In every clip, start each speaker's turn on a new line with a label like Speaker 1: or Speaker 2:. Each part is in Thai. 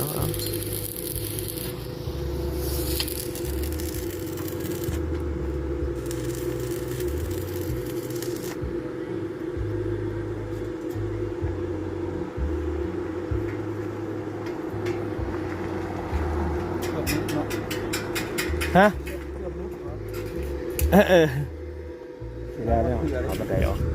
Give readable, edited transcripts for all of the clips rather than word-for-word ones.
Speaker 1: ฮะเสร็จแล้วเนี่ยเอาบันไดออก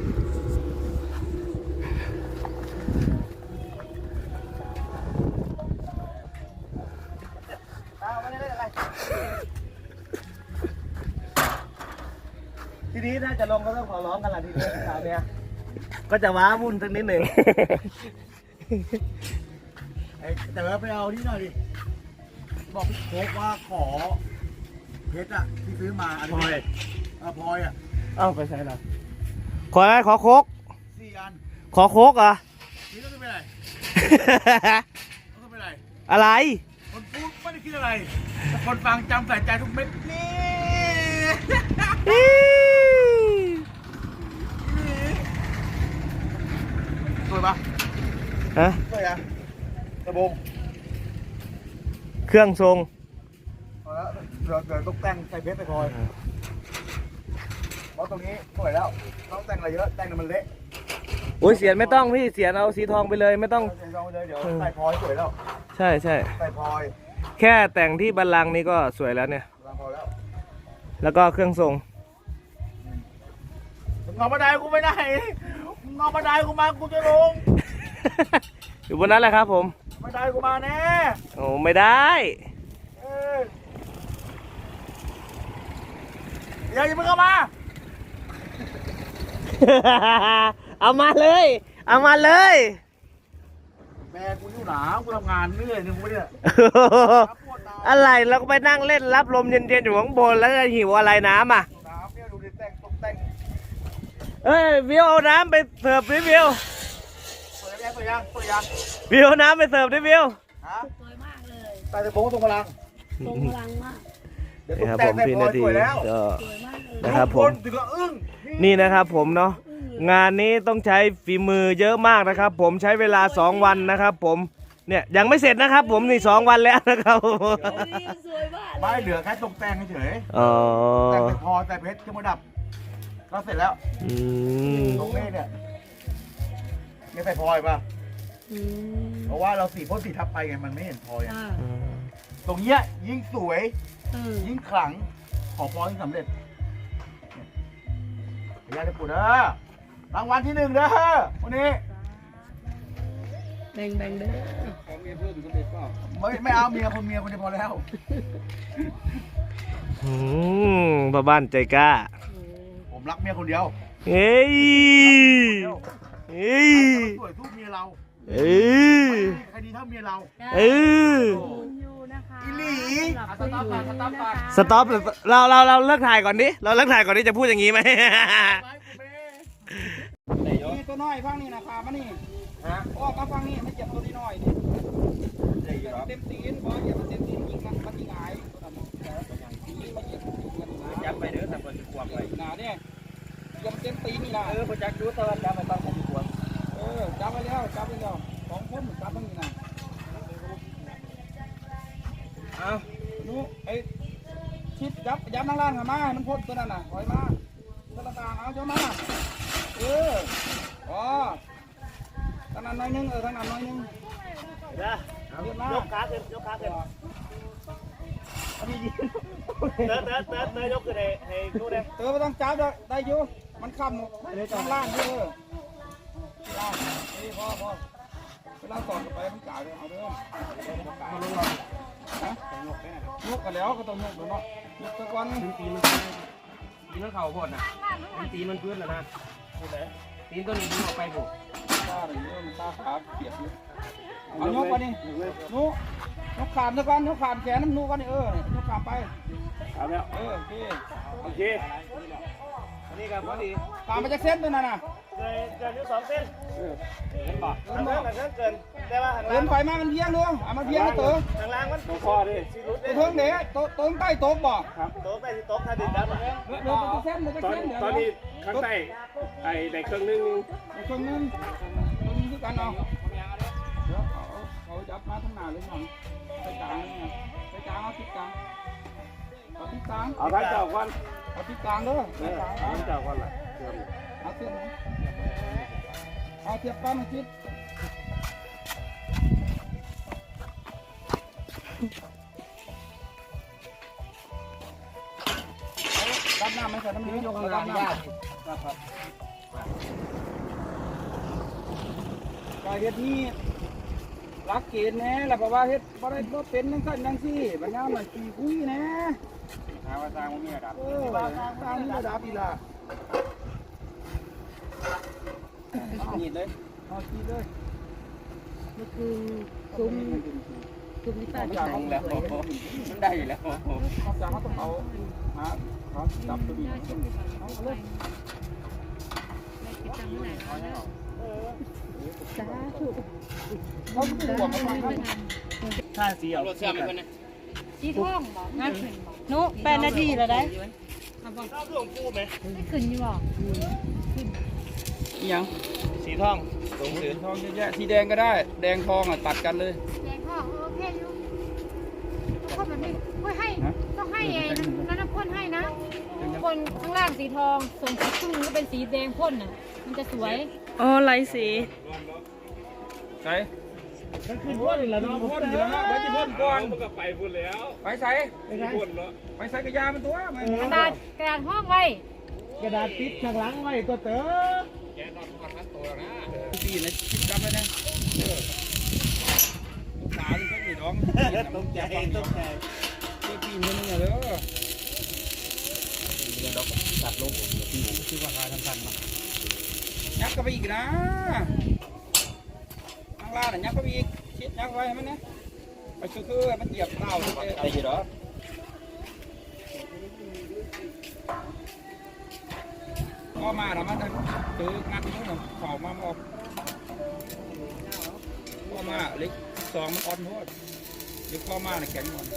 Speaker 2: ทีนี้ถ้าจะลงก็ต้องขอร้องกันละทีนี้คราวนี้ก็จะว้าวุ่นสักนิดหนึ่งแต่ว่าไปเอาที่หน่อยดิบอกพี่โค้กว่าขอเพชรอะที่ซื้อมาพลอยพลอยอะ
Speaker 1: เอ้าไปใช้ละขออะไรขอโคก
Speaker 2: 4 อัน
Speaker 1: ขอโคกเหรอ
Speaker 2: นี่ต้องเป็นไรต้องเป็นไร
Speaker 1: อะไร
Speaker 2: คนพูดไม่ได้คิดอะไรแต่คนฟังจำใส่ใจทุกเม็ดนี่สวยปะ
Speaker 1: ฮะ
Speaker 2: สวยอะกระบง
Speaker 1: เครื่องทรง
Speaker 2: เดี๋ยวต้องแต่งใส่เพชรไปพลอยเพราะตรงนี้สวยแล้วต้องแต่งอะไรเยอะแต่งมันเละ
Speaker 1: โอ้ยเสียนไม่ต้องพี่เสียนเอาสีทองไปเลยไม่ต้อง
Speaker 2: เสียนทองไปเลยเดี๋ยวใส่พลอยสวยแล้ว
Speaker 1: ใช่ใ
Speaker 2: ส่พลอย
Speaker 1: แค่แต่งที่บัลลังก์นี้ก็สวยแล้วเนี่ย
Speaker 2: พอ
Speaker 1: แล้วก็เครื่องทรง
Speaker 2: งอบันไดกูไม่ได้งอบันไดกูมากูจะลง
Speaker 1: อยู่บนนั้นแหละครับผม
Speaker 2: บันไดกูมาแน่
Speaker 1: โอ้ไม่ได้
Speaker 2: อย่าเพิ่งเข้ามา
Speaker 1: เอามาเลยเอามาเลย
Speaker 2: แม่กูอยู่หนาวกูทำงานเหนื่อยนึงกูเนี่ย
Speaker 1: อะไรเราก็ไปนั่งเล่นรับลมเย็นๆอยู่ข้างบนแล้วจะหิวอะไรน้ำอ่ะ
Speaker 2: น้ำเนี่ยดูดิแต่งตกแต่ง
Speaker 1: เอ้ยวิวเอาน้ำไปเสิร์ฟดิวิว
Speaker 2: เปิดยัง
Speaker 1: วิวน้ำไปเสิร์ฟดิวิว
Speaker 3: สวยมากเลย
Speaker 2: ตาจะโบ้ตรงพลัง
Speaker 3: มาก
Speaker 1: นี่ครับผมพี่นาทีก็นะครับผม
Speaker 2: ถึงก็อึ้ง
Speaker 1: นี่นะครับผมเนาะงานนี้ต้องใช้ฝีมือเยอะมากนะครับผมใช้เวลา2 วันนะครับผมเนี่ยยังไม่เสร็จนะครับผมนี่2 วันแล้วนะครับ
Speaker 2: ไม่เหลือแค่ตกแต่งเฉยแต่งพอแต่เพชรเครื่องประดับก็เสร็จแล้วตรงนี้เนี่ยใส่พลอยป่ะเพราะว่าเราสีพ่นสีทับไปไงมันไม่เห็นพลอยตรงเนี้ยยิ่งสวยยิ่งขลังขอพรยิ่งสำเร็จพยาจะปูเด้อรางวัลที่1เด้อวันนี้
Speaker 3: แบ่งเด้อ
Speaker 2: ของเมียเพิ่มก็เด็ดป่ะไม่เอาเมียคนเดียวพอแล้ว
Speaker 1: พ่อบ้านใจกล้า
Speaker 2: ผมรักเมียคนเดียว
Speaker 1: เฮ้ย
Speaker 2: สวยทุกเมียเราใครดีเท่าเมียเราอีหลี
Speaker 1: สต็อปเราเลิกถ่ายก่อนดิเราเลิกถ่ายก่อนดิจะพูดอย่างนี้ไหม
Speaker 2: นี่ตัวน้อยฟังนี่นะครับมานี่ออกมาฟังนี่ไม่เจ็บตัวนี้น้อยนี่เต็มตีนพอเหยียบเต็มตีนยิงมันยิงหายจับไปเด้อแต่คนจะขวบไปหนาเนี่ยยังเต็มตีนนี่นะพอจับดูตะวันจับไปตอนผมขวบจับไปแล้ว2 คนจับทั้งนี้นะเอาดูไอ้ชิดยับนั่งล่างมาน้ำพ่นตัวนั้นน่ะถอยมาตัวต่างเอาเจ้ามาอ๋อทางนั้นน้อยนึงทางนั้นน้อยนึงยกขาขึ้นเตยยกขึ้นให้ดูเลยเตยไม่ต้องจับได้อยู่มันค้ำทางล่างนี่นี่พอเวลาสอนไปมันจ่ายเลยเอาเด้อยกกันแล้วก็ต้องยกเนาะยกตะวันตีมันเข่าพอดนะตีมันพื้นแล้วนะตีนตัวนี้ดึงออกไปบุกตาอะไรเยอะมันตาขาเปียกเลยเอายกไปนี่นุยกขามตะวันยกขามแขนน้ำนูกันนี่ยกขามไปเอาแล้วโอเคนี่ครับพอดีขามไปจากเส้นด้วยนะเกินอยู่2 เส้นเกินบ่เกินแต่ว่าเกินไปมามันเพียงด้วยมันเพียงก็ตัวทางล่างมันตัวพอดิตัวเทิงเด็กตัวใต้โต๊ะบ่ครับโต๊ะใต้ที่โต๊ะถ้าดินดับ
Speaker 4: ตอนนี้ข้างใต้ไอ้ในเครื่องนึง
Speaker 2: คือกันเนาะดี๋ยวเขาจับมาทั้งหน้าเลยหน่อยไปกลางนี่ไงไปกลางเอาทิศกลางเอาทิศกลาง
Speaker 4: เอาท่านเจ้าก่อน
Speaker 2: เอาทิศกลางเด้อ
Speaker 4: ท่านเจ้าก่อนล่ะ
Speaker 2: เอาเทียบนะเอาเทียบกันมาคิดรับน้ำไหมใส่น้ำเลี้ยงยกข้างล่างยากครับการเฮ็ดนี่รักเกณฑ์แน่แล้วเพราะว่าเฮ็ดบ่ได้บ่เป็นจังซั่นจังซี่บัดยามน่ะขี้คุยแน่หาว่าสร้างบ่มีระดับสร้างมีระดับอีหล่ะนี่เลยเอาขี้เลย
Speaker 3: นี่คือซุ้มที่ป้าจะ
Speaker 2: จาก
Speaker 3: ใส่
Speaker 2: ของแล้วมันได้อยู่แล้วเขาจะเขาต้องเอาหาเขาจับตัวนี้เอาเลย
Speaker 3: สาธุ
Speaker 2: เขาไม่ห่วงเขาไม่
Speaker 4: ถ้าสีเอา
Speaker 2: รถเชื่อมกันนะ
Speaker 3: สีทองบอกงั้น
Speaker 5: นุ8 นาทีแล้วได้
Speaker 3: ไม่ขึ้นอยู่บอก
Speaker 2: ยัง
Speaker 1: สีทองตรงสี
Speaker 2: ทองเยอะแยะสีแดงก็ได้ แดงทองอ่ะตัดกันเลย
Speaker 6: แดงพ่อโอเคอยู่ต้องแบบนี้ให้ต้องให้เองนั่นน้ำพ่นให้นะพ่นข้างล่างสีทองส่วนครึ่งก็เป็นสีแดงพ่นน่ะมันจะสวย
Speaker 5: อ๋อไลสี
Speaker 2: ใส่
Speaker 4: ก็คือพ่นแล้วเนาะ
Speaker 2: พ่นอยู่แล้วนะไปที่พ่นก่อน
Speaker 4: มันก็ไปพุ่นแล้ว
Speaker 2: ไปใส่
Speaker 4: พ่นเนาะ
Speaker 2: ไปใส่กระยามันตัวมัน
Speaker 6: กระดาษห้องไว้
Speaker 4: กระดาษติดข้างหลังไว้ตัวเต๋อ
Speaker 2: ปีนะจำไว้นะขาที่เขาหนีน้อง
Speaker 1: ตกใจตกใจ
Speaker 2: ที่ปีนมันเนี่ยเด้อคือว่าหาทันๆมายักก็ไปอีกนะข้างล่างน่ะยักก็ไปอีกชิดยักไว้ให้มันนะไปคือมันเหยียบเท้าไอ้ยี่หรอก็มาแล้วมันตื้องัดนู้นน่ะเข่ามาบอกก็มาเล็กสองมันอ่อนโทษเล็กข้อมาเนี่ยแข็งก่อน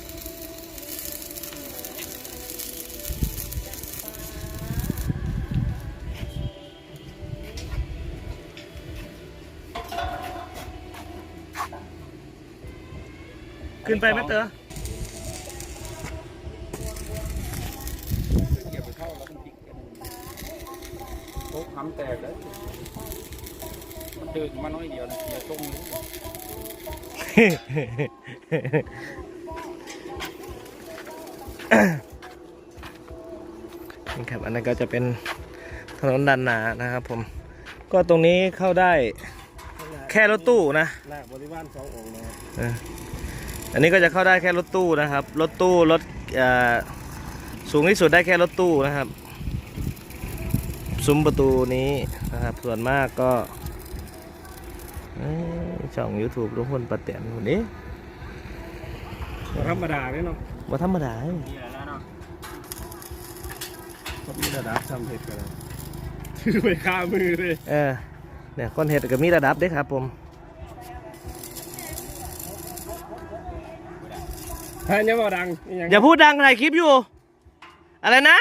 Speaker 1: ขึ้นไปไหมเต๋อ
Speaker 2: เหยียบไปเข้าแล้วมันติดกันโต๊ะทำแตกเลยมันดึงมาน้อยเดียวนะอย่าตรงนี้
Speaker 1: นี่ครับอันนั้นก็จะเป็นถนนด้านหน้านะครับผมก็ตรงนี้เข้าได้แค่รถตู้นะ
Speaker 4: หน้าบริวาร2 องค์นะครับ
Speaker 1: อันนี้ก็จะเข้าได้แค่รถตู้นะครับรถตู้รถสูงที่สุดได้แค่รถตู้นะครับซุ้มประตูนี้นะครับส่วนมากก็ช่อง YouTube ลุงพลป้าแตนคนนี้
Speaker 4: ธรรมดาเลยเนาะ
Speaker 1: ว่าธรรมดา
Speaker 2: นี่แหละเนาะ
Speaker 4: ก็มีระดับทำเผ็ดกันถือไปคามือเลย
Speaker 1: เนี่ยก้อนเห็ดก็มีระดับเด้ครับผม
Speaker 4: ท่านยังบ่ดัง
Speaker 1: อย่าพูดดังถ่ายคลิปอยู่อะไรนะ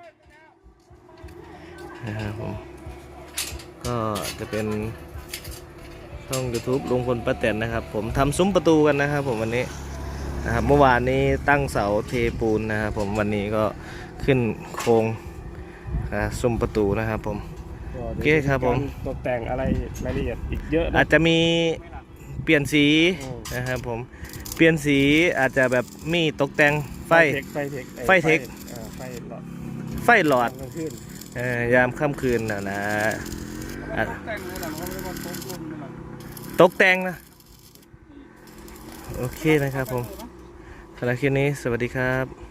Speaker 1: นะครับผมก็จะเป็นช่อง YouTube ลุงพลป้าแตนนะครับผมทำซุ้มประตูกันนะครับผมวันนี้นะครับเมื่อวานนี้ตั้งเสาเทปูนนะครับผมวันนี้ก็ขึ้นโครงซุ้มประตูนะครับผม โอเคครับผม
Speaker 4: ตกแต่งอะไรรายละเอียดอีกเยอะนะ
Speaker 1: อาจจะมีเปลี่ยนสี
Speaker 4: อืม
Speaker 1: นะครับผมเปลี่ยนสีอาจจะแบบมีตกแต่งไฟ
Speaker 4: ไฟเทค
Speaker 1: ไฟเทค
Speaker 4: ไฟหลอด
Speaker 1: ไฟหลอด
Speaker 4: กลางคืน
Speaker 1: ยามค่ำคืนนะ
Speaker 2: แต่งเลยนะเขาไม่ได้มาต้มรุ่นนี่นะ
Speaker 1: ตกแต่งนะโอเคนะครับผมสำหรับคลิปนี้สวัสดีครับ